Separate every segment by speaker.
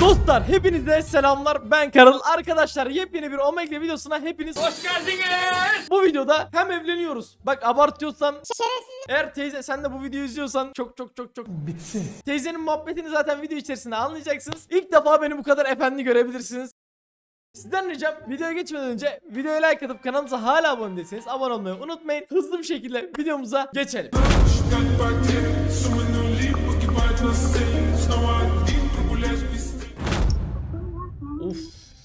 Speaker 1: Dostlar hepinize selamlar, ben Karıl. Arkadaşlar yepyeni bir Omegle videosuna hepiniz hoş geldiniz. Bu videoda hem evleniyoruz. Bak abartıyorsam eğer teyze sen de bu videoyu izliyorsan çok bitsin. Teyzenin muhabbetini zaten video içerisinde anlayacaksınız. İlk defa beni bu kadar efendi görebilirsiniz. Sizden ricam videoya geçmeden önce videoya like atıp kanalımıza hala abone değilseniz abone olmayı unutmayın. Hızlı bir şekilde videomuza geçelim. Of.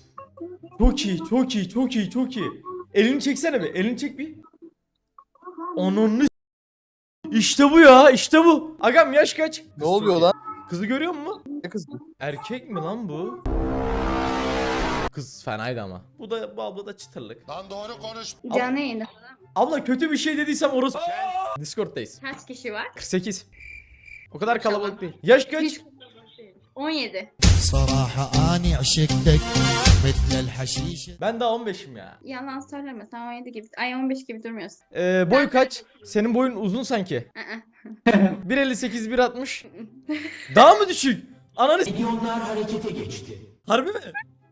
Speaker 1: Çok iyi. Elini çeksene bir. Elini çek bir. Ananı. İşte bu ya. İşte bu. Agam yaş kaç?
Speaker 2: Ne oluyor lan?
Speaker 1: Kızı görüyor musun?
Speaker 2: Ne kızı?
Speaker 1: Erkek mi lan bu? Kız fenaydı ama. Bu abla da çıtırlık.
Speaker 3: Lan doğru konuş.
Speaker 4: Canlı yayında.
Speaker 1: Abla kötü bir şey dediysem orası. Discord'dayız.
Speaker 4: Kaç kişi var?
Speaker 1: 48. O kadar kalabalık değil. Yaş kaç?
Speaker 4: Hiç 17.
Speaker 5: صراحة أني عشقتك مثل الحشيشة.
Speaker 1: Ben daha 15'im ya.
Speaker 4: Yalan söyleme, sen 17 gibi, ay 15 gibi durmuyorsun.
Speaker 1: Boy kaç? Senin boyun uzun sanki. 1.58 1.60. Daha mı düşük? Ananı milyonlar harekete geçti. Harbi mi?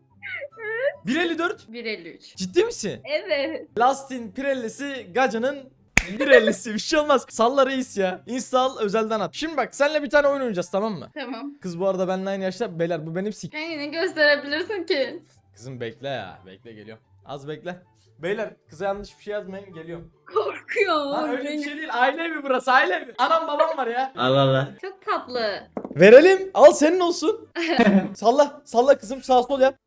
Speaker 1: 1.54.
Speaker 4: 1.53.
Speaker 1: Ciddi misin?
Speaker 4: Evet.
Speaker 1: Lastin Pirelli'si Gaca'nın 1.50'si bir şey olmaz. Salla reis ya. Install özelden at. Şimdi bak seninle bir tane oyun oynayacağız, tamam mı?
Speaker 4: Tamam.
Speaker 1: Kız bu arada benimle aynı yaşta. Beyler bu benim
Speaker 4: Kendini gösterebilirsin ki.
Speaker 1: Kızım bekle ya. Bekle geliyorum. Az bekle. Beyler kıza yanlış bir şey yazmayın, geliyorum.
Speaker 4: Korkuyorum.
Speaker 1: Lan öyle bir şey değil. Aile evi burası, aile evi. Anam babam var ya.
Speaker 4: Çok tatlı.
Speaker 1: Verelim. Al senin olsun. Salla kızım, sağ sol yap.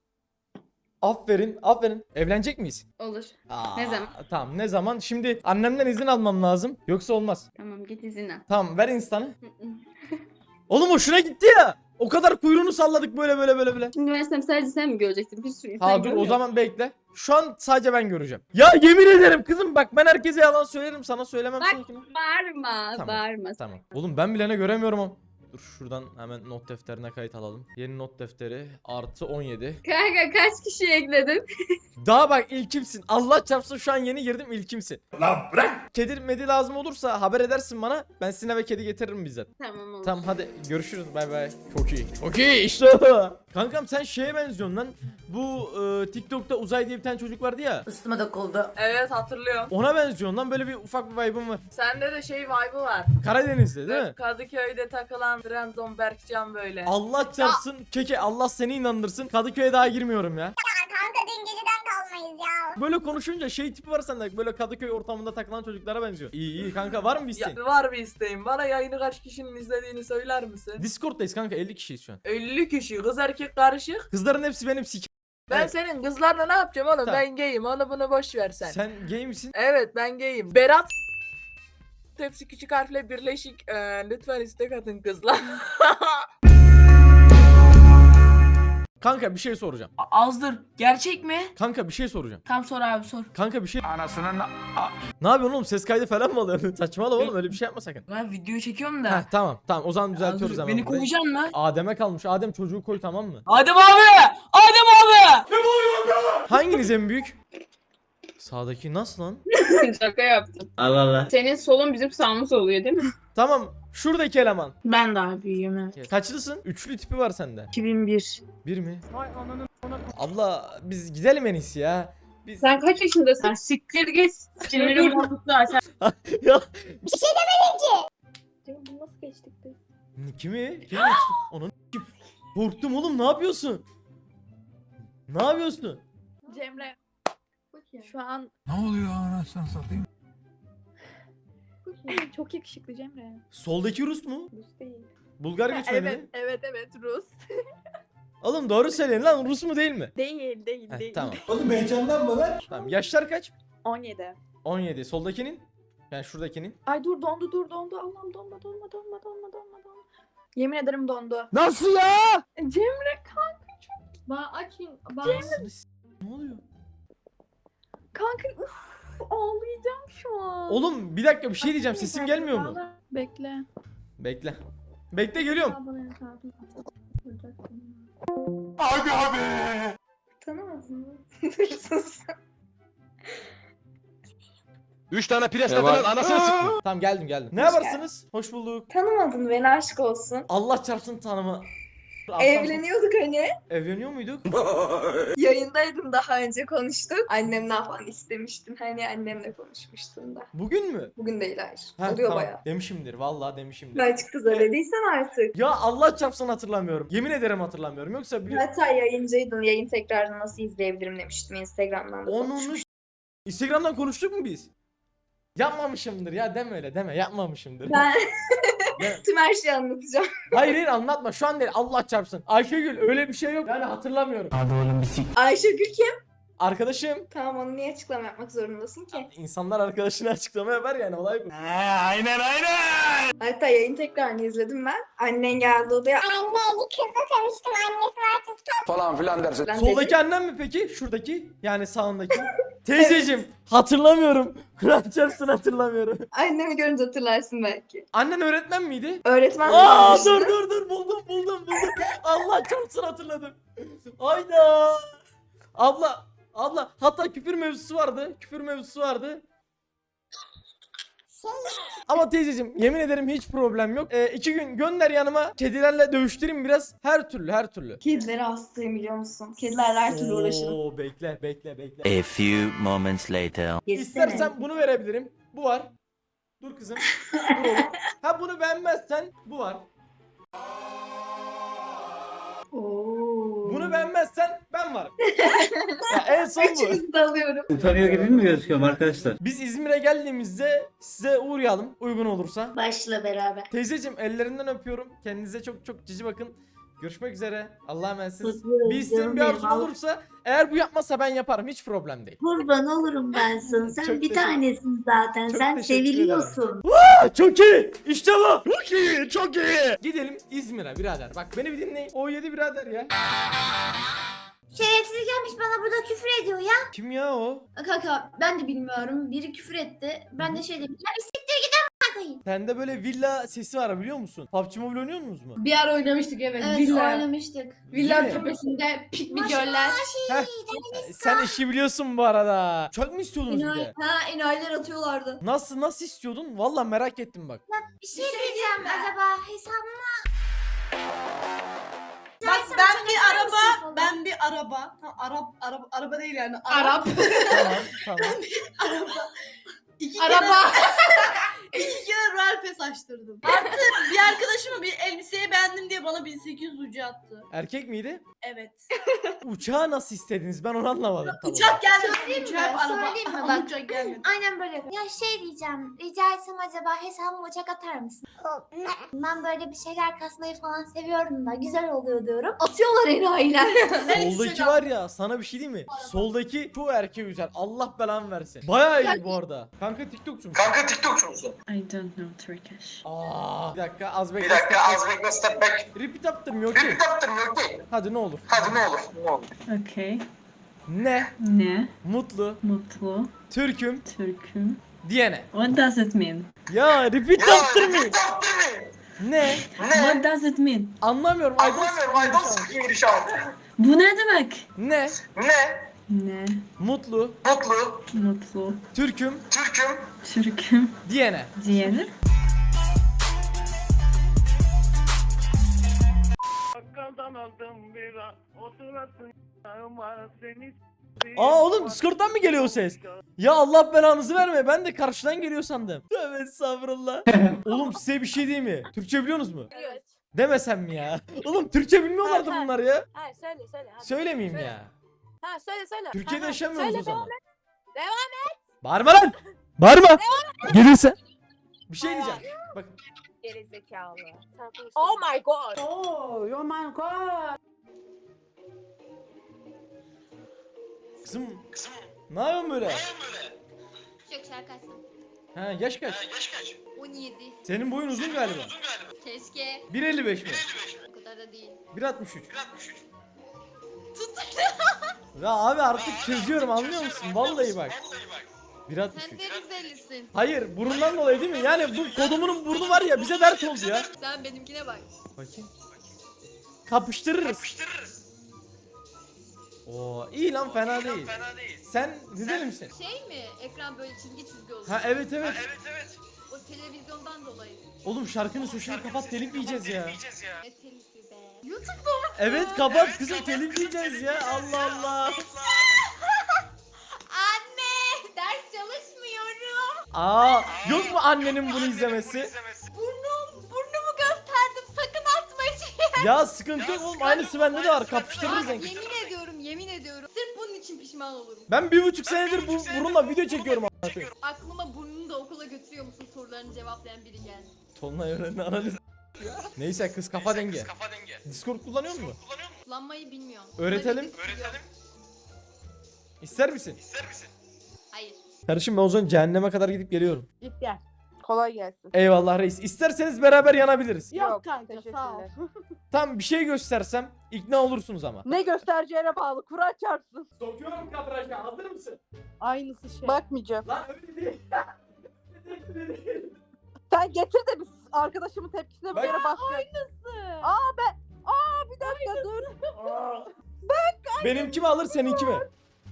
Speaker 1: Aferin. Evlenecek miyiz?
Speaker 4: Olur.
Speaker 1: Aa,
Speaker 4: Ne zaman?
Speaker 1: Tamam, ne zaman? Şimdi annemden izin almam lazım. Yoksa olmaz.
Speaker 4: Tamam, git izin al.
Speaker 1: Tamam, ver insanı. Oğlum hoşuna gitti ya. O kadar kuyruğunu salladık böyle.
Speaker 4: Şimdi versem sadece sen mi göreceksin? Bir sürü insan
Speaker 1: Ha dur,
Speaker 4: görmüyor.
Speaker 1: o zaman bekle. Şu an sadece ben göreceğim. Ya yemin ederim kızım, bak ben herkese yalan söylerim, sana söylemem
Speaker 4: Bak,
Speaker 1: seninkine.
Speaker 4: Bağırma,
Speaker 1: Tamam,
Speaker 4: bağırma.
Speaker 1: Tamam. Oğlum ben bilene göremiyorum ama. Dur şuradan hemen not defterine kayıt alalım. Yeni not defteri artı 17.
Speaker 4: Kanka kaç kişi ekledin?
Speaker 1: Daha bak ilkimsin. Allah çarpsın şu an yeni girdim, ilkimsin. Lan bırak. Kedi medi lazım olursa haber edersin bana. Ben sizin eve kedi getiririm bizzat.
Speaker 4: Tamam olur.
Speaker 1: Tamam hadi görüşürüz, bay bay. Çok iyi. Okey işte o. Kankam sen şeye benziyorsun lan. Bu TikTok'ta Uzay diye bir tane çocuk vardı ya.
Speaker 6: Üstüme dokuldu.
Speaker 7: Evet, hatırlıyorum.
Speaker 1: Ona benziyorsun lan, böyle bir ufak bir vibe'ın var.
Speaker 7: Sende de şey vibe'ı var.
Speaker 1: Karadeniz'de değil mi?
Speaker 7: Kadıköy'de takılan Trabzon Berkcan böyle.
Speaker 1: Allah çarpsın keke, Allah seni inandırsın. Kadıköy'e daha girmiyorum ya.
Speaker 8: Kanka dün geceden kalmayız ya.
Speaker 1: Böyle konuşunca şey tipi var sende, böyle Kadıköy ortamında takılan çocuklara benziyor. İyi kanka, var mı bir isteğin?
Speaker 7: Ya, var bir isteğim. Bana yayını kaç kişinin izlediğini söyler misin?
Speaker 1: Discord'dayız kanka, 50 kişiyiz şu an.
Speaker 7: 50 kişi, kız erkek karışık.
Speaker 1: Kızların hepsi benim
Speaker 7: Ben
Speaker 1: Evet.
Speaker 7: senin kızlarla ne yapacağım oğlum?
Speaker 1: Tamam.
Speaker 7: Ben gayim, onu bunu boş ver sen.
Speaker 1: Sen gay misin?
Speaker 7: Evet, ben gayim. Berat hepsi küçük harfle birleşik. Lütfen istek atın kızlar.
Speaker 1: Kanka bir şey soracağım.
Speaker 6: Azdır. Gerçek mi?
Speaker 1: Kanka bir şey soracağım.
Speaker 6: Tam sor abi sor.
Speaker 1: Kanka bir şey... Ne yapıyorsun oğlum, ses kaydı falan mı alıyorsun? Saçmalama oğlum, öyle bir şey yapma sakın.
Speaker 6: Ben video çekiyorum da.
Speaker 1: Heh, tamam o zaman düzeltiyoruz
Speaker 6: Azdır,
Speaker 1: hemen.
Speaker 6: beni
Speaker 1: burayı.
Speaker 6: kovacaksın mı?
Speaker 1: Adem'e kalmış. Adem çocuğu koy, tamam mı?
Speaker 6: Adem abi! Adem abi!
Speaker 1: Hanginiz en büyük? Sağdaki nasıl lan?
Speaker 4: Şaka yaptım. Allah Allah. Senin solun bizim sağımız oluyor değil mi?
Speaker 1: Tamam, şuradaki eleman.
Speaker 4: Ben daha büyüğüm evet.
Speaker 1: Kaçlısın? Üçlü tipi var sende.
Speaker 4: 2001.
Speaker 1: Bir mi? Abla biz gidelim en iyisi ya. Biz...
Speaker 4: Sen kaç yaşındasın? Siktir git. Sinirimi bozuktu zaten.
Speaker 1: ya
Speaker 8: Bunu nasıl geçtik biz?
Speaker 1: kimi? Kimi? Onun kim? Korktum oğlum, ne yapıyorsun? Ne yapıyorsun?
Speaker 8: Cemre. Şu an
Speaker 3: Ne oluyor anasını satayım?
Speaker 8: çok yakışıklı Cemre.
Speaker 1: Soldaki Rus mu?
Speaker 8: Rus değil.
Speaker 1: Bulgar göçmeni mi?
Speaker 8: Evet Rus.
Speaker 1: Oğlum doğru söyleyin lan, Rus mu değil mi?
Speaker 8: Değil
Speaker 1: Heh, tamam.
Speaker 3: Oğlum heyecandan mı lan?
Speaker 1: Tamam. Yaşlar kaç?
Speaker 8: 17.
Speaker 1: 17. Soldakinin? Yani şuradakinin.
Speaker 8: Ay dur dondu. Allah'ım donma. Yemin ederim dondu.
Speaker 2: Nasıl ya?
Speaker 8: Cemre
Speaker 1: Anasını ne oluyor?
Speaker 8: kanka ağlayacağım şu an.
Speaker 1: Oğlum bir dakika, bir şey diyeceğim. Sesim gelmiyor mu?
Speaker 8: Bekle.
Speaker 1: Bekle. Bekle, geliyorum.
Speaker 3: Abi abi.
Speaker 4: Tanımadın mı?
Speaker 2: 3 tane pres lan anasını sıktım.
Speaker 1: Tamam geldim. Ne yaparsınız? Hoş bulduk.
Speaker 4: Tanımadın beni, aşk olsun.
Speaker 1: Allah çarpsın tanıma.
Speaker 8: Evleniyorduk hani.
Speaker 1: Evleniyor muyduk?
Speaker 8: Yayındaydım, daha önce konuştuk. Annemden falan istemiştim. Hani annemle konuşmuştum da.
Speaker 1: Bugün mü?
Speaker 8: Bugün değil, hayır.
Speaker 1: Ha,
Speaker 8: Oluyor
Speaker 1: tamam.
Speaker 8: bayağı.
Speaker 1: Demişimdir. Vallahi demişimdir.
Speaker 8: Belki kıza dediysen artık.
Speaker 1: Ya Allah çarpsın hatırlamıyorum. Yemin ederim hatırlamıyorum. Yoksa bir...
Speaker 8: Hatta yayıncıydın. Yayın tekrarını nasıl izleyebilirim demiştim. Instagram'dan da
Speaker 1: Onun
Speaker 8: konuşmuştum.
Speaker 1: Instagram'dan konuştuk mu biz? Yapmamışımdır ya, deme öyle deme, yapmamışımdır.
Speaker 8: Ben
Speaker 1: Deme.
Speaker 8: tüm her şeyi anlatacağım.
Speaker 1: Hayır hayır anlatma şu an değil, Allah çarpsın. Ayşegül öyle bir şey yok yani, hatırlamıyorum.
Speaker 8: Ayşegül kim?
Speaker 1: Arkadaşım.
Speaker 8: Tamam, onu niye açıklama yapmak zorundasın ki?
Speaker 1: İnsanlar arkadaşına açıklama yapar yani, olay bu.
Speaker 8: Hatta yayın tekrarını izledim ben. Annen geldi odaya.
Speaker 3: Falan filan dersin.
Speaker 8: Ben
Speaker 1: Soldaki
Speaker 8: dedim,
Speaker 1: annem mi peki? Şuradaki yani sağındaki. Teyzeciğim hatırlamıyorum. Kur'an çarpsın hatırlamıyorum.
Speaker 8: annemi görünce hatırlarsın belki.
Speaker 1: Annen öğretmen miydi?
Speaker 8: Öğretmen
Speaker 1: Aa
Speaker 8: olmuştu.
Speaker 1: dur buldum. Allah çarpsın hatırladım. Hayda. Abla hatta küfür mevzusu vardı. Ama teyzeciğim yemin ederim hiç problem yok. 2 gün gönder yanıma, kedilerle dövüştüreyim biraz. Her türlü.
Speaker 8: Kedilere hastayım, biliyor musun? Kedilerle her türlü uğraşırım.
Speaker 1: Oo bekle.
Speaker 5: A few moments later.
Speaker 1: İstersen bunu verebilirim. Bu var. Dur kızım. Dur oğlum. Ha bunu beğenmezsen bu var.
Speaker 8: Oo.
Speaker 1: Bunu beğenmezsen ben varım. Ya en son bu.
Speaker 8: Üçünüzü de alıyorum.
Speaker 9: Utanıyor gibi mi gözüküyorum arkadaşlar?
Speaker 1: Biz İzmir'e geldiğimizde size uğrayalım uygun olursa.
Speaker 8: Başla beraber.
Speaker 1: Teyzeciğim ellerinden öpüyorum. Kendinize çok cici bakın. Görüşmek üzere. Allah'a emanetsiniz.
Speaker 8: Öpüyorum,
Speaker 1: Bir isteğin
Speaker 8: canım
Speaker 1: bir arzun
Speaker 8: benim.
Speaker 1: olursa, eğer bu yapmazsa ben yaparım. Hiç problem değil.
Speaker 8: Kurban olurum ben sana. Sen
Speaker 1: Çok
Speaker 8: bir
Speaker 1: teşekkür-
Speaker 8: tanesin zaten.
Speaker 1: Çok
Speaker 8: Sen
Speaker 1: teşekkür
Speaker 8: seviliyorsun.
Speaker 1: Çok iyi. İşte bu. Çok iyi. Gidelim İzmir'e birader. Bak beni bir dinleyin. O7 birader ya.
Speaker 10: Şerefsiz gelmiş bana burada küfür ediyor ya.
Speaker 1: Kim ya o?
Speaker 10: Kanka ben de bilmiyorum. Biri küfür etti. Ben de şey dedim. Ya bir siktir git amına koyayım.
Speaker 1: Sende böyle villa sesi var biliyor musun? PUBG Mobile oynuyor musunuz mu?
Speaker 6: Bir ara oynamıştık evet.
Speaker 10: Evet
Speaker 6: Villa.
Speaker 10: oynamıştık.
Speaker 6: Villa
Speaker 1: Değil mi?
Speaker 6: tepesinde piknik
Speaker 10: Maşallah
Speaker 6: göller.
Speaker 1: Heh. Sen işi biliyorsun bu arada. Çok mu istiyordunuz bir
Speaker 10: Enayi,
Speaker 1: de?
Speaker 10: ha enayiler atıyorlardı.
Speaker 1: Nasıl istiyordun? Valla merak ettim bak.
Speaker 10: Bir şey diyeceğim acaba hesabıma.
Speaker 6: Bak
Speaker 10: Sana
Speaker 6: ben
Speaker 10: çok
Speaker 6: bir
Speaker 10: önemli bir şey
Speaker 6: araba,
Speaker 10: falan.
Speaker 6: araba değil yani.
Speaker 10: Arap.
Speaker 1: Tamam.
Speaker 6: Araba. İki
Speaker 10: Araba.
Speaker 6: İki kere Royal Pass açtırdım. Artı bir arkadaşıma bir elbiseyi beğendim diye bana 1800 ucu attı.
Speaker 1: Erkek miydi?
Speaker 6: Evet.
Speaker 1: Uçağı nasıl istediniz? Ben onu anlamadım. Tamam.
Speaker 6: Uçak gelmedi.
Speaker 10: Söyleyeyim mi?
Speaker 6: Uçak araba.
Speaker 10: Söyleyeyim mi?
Speaker 6: Ama
Speaker 10: Bak.
Speaker 6: uçak gelmedi.
Speaker 10: Aynen böyle yapıyor. Ya şey diyeceğim. Rica etsem acaba hesabıma uçak atar mısın? Ben böyle bir şeyler kasmayı falan seviyorum da güzel oluyor diyorum. Atıyorlar enayiler.
Speaker 1: Soldaki var ya, sana bir şey diyeyim mi? Soldaki çoğu erkeği güzel. Allah belanı versin. Bayağı iyi bu arada. Kanka TikTokçu musun?
Speaker 3: Kanka TikTokçu musun?
Speaker 6: I don't know Turkish.
Speaker 1: Aa, bir dakika az bekle.
Speaker 3: bekle step back.
Speaker 1: Repeat yaptırmıyor ki.
Speaker 3: yaptırmıyor ki.
Speaker 1: Hadi ne olur.
Speaker 3: Hadi ne olur.
Speaker 6: Okay.
Speaker 1: Ne?
Speaker 6: Ne?
Speaker 1: Mutlu.
Speaker 6: Mutlu.
Speaker 1: Türk'üm.
Speaker 6: Türk'üm.
Speaker 1: Diyene.
Speaker 6: What does it mean?
Speaker 1: Ya repeat yaptırmıyor. Ne?
Speaker 6: What does it mean?
Speaker 1: Anlamıyorum. I don't speak English.
Speaker 6: Bu ne demek?
Speaker 1: Ne?
Speaker 6: Ne?
Speaker 1: Mutlu.
Speaker 6: Mutlu.
Speaker 1: Türk'üm.
Speaker 6: Türk'üm.
Speaker 1: Diyene.
Speaker 6: Diğeri?
Speaker 1: Aa oğlum Discord'dan mı geliyor o ses? Ya Allah belanızı verme, ben de karşıdan geliyor sandım. Tövbe estağfurullah. Oğlum size bir şey diyeyim mi? Türkçe biliyorsunuz mu?
Speaker 8: Evet.
Speaker 1: Demesem mi ya? Oğlum Türkçe bilmiyorlardı
Speaker 8: Ha.
Speaker 1: bunlar ya.
Speaker 8: Ha söyle. Hadi.
Speaker 1: Söylemeyeyim
Speaker 8: Söyle.
Speaker 1: ya.
Speaker 8: Ha söyle.
Speaker 1: Türkiye'de
Speaker 8: Ha,
Speaker 1: yaşamıyoruz
Speaker 8: söyle,
Speaker 1: o zaman.
Speaker 8: Devam
Speaker 1: Bağırma lan! Bağırma! Gelirse. Bir şey diyeceğim. Bak
Speaker 8: Geri zekalı. Oh my god.
Speaker 1: kızım. Ne yapıyorsun böyle?
Speaker 10: Çok şarkı açsam.
Speaker 1: Ha yaş kaç?
Speaker 10: 17.
Speaker 1: Senin boyun uzun galiba.
Speaker 10: Keşke.
Speaker 1: 1.55 mi?
Speaker 10: O kadar da değil.
Speaker 1: 1.63. Ya abi artık çözüyorum, anlıyor musun? Vallahi bak. 1.63.
Speaker 10: Rizelisin.
Speaker 1: Hayır, burundan dolayı değil mi? Yani bu kodumunun burnu var ya, bize dert oldu ya.
Speaker 10: Sen benimkine bak.
Speaker 1: Bakayım. Kapıştırırız. Oo, iyi lan, fena değil. Sen Rizeli misin?
Speaker 10: Şey mi? Ekran böyle çizgi olur.
Speaker 1: Ha evet.
Speaker 10: O televizyondan dolayı.
Speaker 1: Oğlum şarkının sesini kapat, telif yiyeceğiz ya.
Speaker 10: Ne telifi be.
Speaker 6: YouTube'da mı?
Speaker 1: Evet kapat kızım, telif yiyeceğiz ya. Allah Allah.
Speaker 6: Anne ders çalışmıyorum.
Speaker 1: Aa, yok mu annenin bunu izlemesi?
Speaker 6: Burnumu gösterdim sakın atma şey.
Speaker 1: Ya sıkıntı yok oğlum, aynısı bende de var, kapıştırırız en kötü.
Speaker 6: Yemin ediyorum. Sırf bunun için pişman olurum.
Speaker 1: Ben 1,5 senedir bu burunla video çekiyorum a**ına koyayım.
Speaker 6: Aklıma burnunu da okula götürüyor musun sorularını cevaplayan biri geldi.
Speaker 1: Tonlay öğrenin analiz. Neyse kız kafa denge. Discord kullanıyor musun?
Speaker 6: Kullanmayı bilmiyorum.
Speaker 1: Öğretelim. İster misin?
Speaker 6: Hayır.
Speaker 1: Kardeşim ben o zaman cehenneme kadar gidip geliyorum.
Speaker 7: Git gel. Kolay gelsin.
Speaker 1: Eyvallah reis. İsterseniz beraber yanabiliriz.
Speaker 7: Yok kanka sağ ol.
Speaker 1: Tam bir şey göstersem ikna olursunuz ama.
Speaker 7: Ne göstereceğine bağlı. Kur'an çarpsın.
Speaker 1: Sokuyorum kadraja, hazır mısın?
Speaker 7: Aynısı şey. Bakmayacağım.
Speaker 1: Lan öyle değil.
Speaker 7: Sen getir de biz arkadaşımın tepkisine bir
Speaker 1: Bak-
Speaker 7: kere bak. Aynısı. Bir dakika dur.
Speaker 1: Benimki mi alır seninki mi?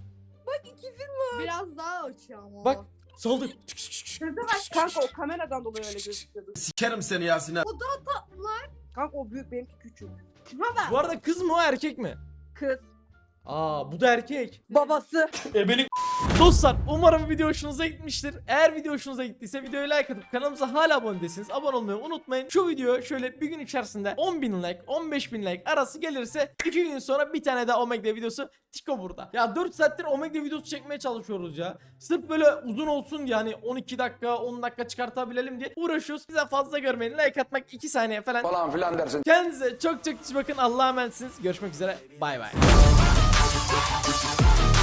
Speaker 6: Biraz daha açıyor ama.
Speaker 1: Bak saldır.
Speaker 7: Kanka o kameradan dolayı öyle gözüküyordu.
Speaker 2: Sikerim seni Yasin'e.
Speaker 7: Kanka o büyük benimki küçük.
Speaker 1: Bu arada kız mı o erkek mi?
Speaker 7: Kız.
Speaker 1: Aa bu da erkek.
Speaker 7: Babası.
Speaker 1: Ebelik. Dostlar umarım video hoşunuza gitmiştir. Eğer video hoşunuza gittiyse videoyu like atıp kanalımıza hala abone değilseniz abone olmayı unutmayın. Şu video şöyle bir gün içerisinde 10.000 like 15.000 like arası gelirse 2 gün sonra bir tane daha Omegle videosu Tiko burada. Ya 4 saattir Omegle videosu çekmeye çalışıyoruz ya. Sırf böyle uzun olsun diye, hani 12 dakika 10 dakika çıkartabilelim diye uğraşıyoruz. Bize fazla görmeyin, like atmak 2 saniye falan.
Speaker 3: Falan filan dersin.
Speaker 1: Kendinize çok çok iyi bakın, Allah'a emanetsiniz. Görüşmek üzere, bay bay.